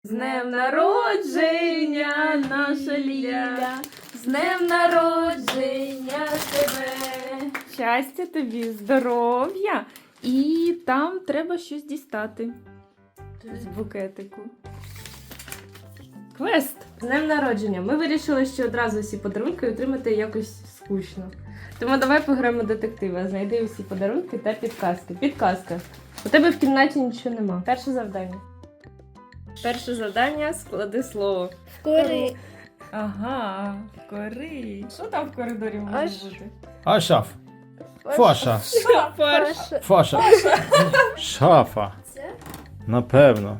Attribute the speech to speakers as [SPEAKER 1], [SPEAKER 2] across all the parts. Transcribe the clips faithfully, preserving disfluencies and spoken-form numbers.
[SPEAKER 1] З днем народження, наша Ліля, з днем народження тебе. Щастя тобі, здоров'я. І там треба щось дістати з букетику. Квест! З днем народження. Ми вирішили, що одразу всі подарунки отримати якось скучно. Тому давай пограємо детектива. Знайди усі подарунки та підказки. Підказка. У тебе в кімнаті нічого нема. Перше завдання. Перше завдання – склади слово.
[SPEAKER 2] Кори.
[SPEAKER 1] Ага, в кори. Що там в коридорі може
[SPEAKER 2] Аж.
[SPEAKER 1] бути?
[SPEAKER 3] Ашаф. Фаша.
[SPEAKER 1] Шафа.
[SPEAKER 3] Фаша. Шафа.
[SPEAKER 2] Це?
[SPEAKER 3] Напевно.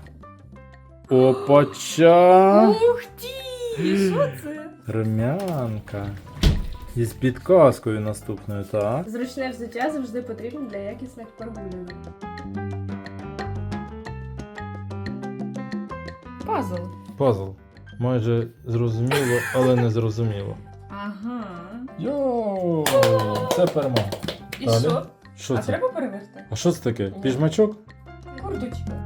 [SPEAKER 3] Опача.
[SPEAKER 1] Ух ти! Що це?
[SPEAKER 3] Румянка. Із підказкою наступною, так?
[SPEAKER 1] Зручне взуття завжди потрібно для якісних прогулянок. Пазл.
[SPEAKER 3] Пазл. Майже зрозуміло, але не зрозуміло.
[SPEAKER 1] Ага.
[SPEAKER 3] Йоу, це перемога.
[SPEAKER 1] І
[SPEAKER 3] Далі.
[SPEAKER 1] що?
[SPEAKER 3] Що
[SPEAKER 1] А
[SPEAKER 3] це?
[SPEAKER 1] треба переверти?
[SPEAKER 3] А що це таке? Піжмачок?
[SPEAKER 1] Курточка.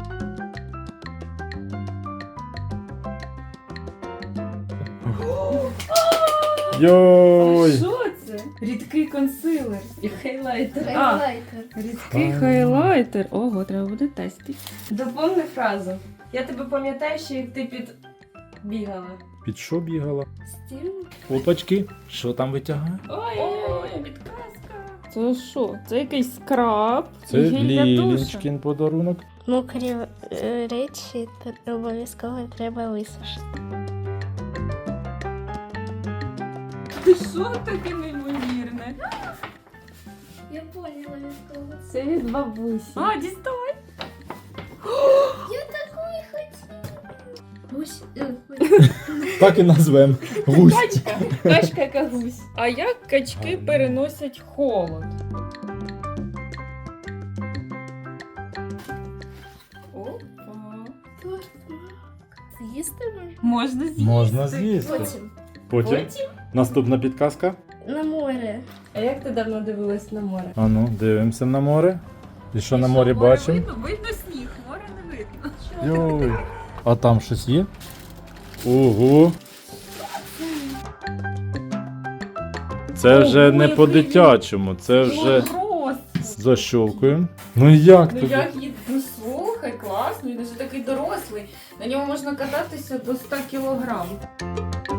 [SPEAKER 1] А
[SPEAKER 3] Йой!
[SPEAKER 1] що це? Рідкий консилер і хайлайтер. А,
[SPEAKER 2] Хайлайтер.
[SPEAKER 1] рідкий
[SPEAKER 3] А.
[SPEAKER 1] хайлайтер. Ого, треба буде тестити. Доповни фразу. Я тебе пам'ятаю, що як ти під бігала.
[SPEAKER 3] Під що бігала?
[SPEAKER 2] Стіль.
[SPEAKER 3] Опачки. Що там витягає?
[SPEAKER 1] Ой, підказка. Це що? Це якийсь скраб?
[SPEAKER 3] Це
[SPEAKER 1] і гель для душу.
[SPEAKER 3] Лілінчкін подарунок.
[SPEAKER 2] Мокрі е, речі та обов'язково треба висушити.
[SPEAKER 1] Що таке неймовірне?
[SPEAKER 2] Я поняла від того.
[SPEAKER 1] Це від бабусі. А, діставай.
[SPEAKER 2] Я такої хотіла. Гусь. е,
[SPEAKER 3] Так і назвем. Гусь.
[SPEAKER 1] Качка. Качка яка гусь. А як качки переносять холод? Опа.
[SPEAKER 2] З'їсти можна?
[SPEAKER 1] Можна з'їсти.
[SPEAKER 3] Можна з'їсти.
[SPEAKER 2] Потім.
[SPEAKER 3] Потім.
[SPEAKER 1] Потім?
[SPEAKER 3] Наступна підказка.
[SPEAKER 2] На море.
[SPEAKER 1] А як ти давно дивилась на море?
[SPEAKER 3] А ну, дивимося на море. І що на
[SPEAKER 1] І
[SPEAKER 3] морі
[SPEAKER 1] море
[SPEAKER 3] бачимо?
[SPEAKER 1] Видно? Видно сніг, море не видно.
[SPEAKER 3] Йой. А там щось є? Ого. Це вже
[SPEAKER 1] Ого,
[SPEAKER 3] не
[SPEAKER 1] який
[SPEAKER 3] по-дитячому, це вже
[SPEAKER 1] Ого,
[SPEAKER 3] защолкуємо. Ну як
[SPEAKER 1] ну
[SPEAKER 3] тобі?
[SPEAKER 1] як їд... Ну слухай, класно, він вже такий дорослий. На ньому можна кататися до ста кілограм.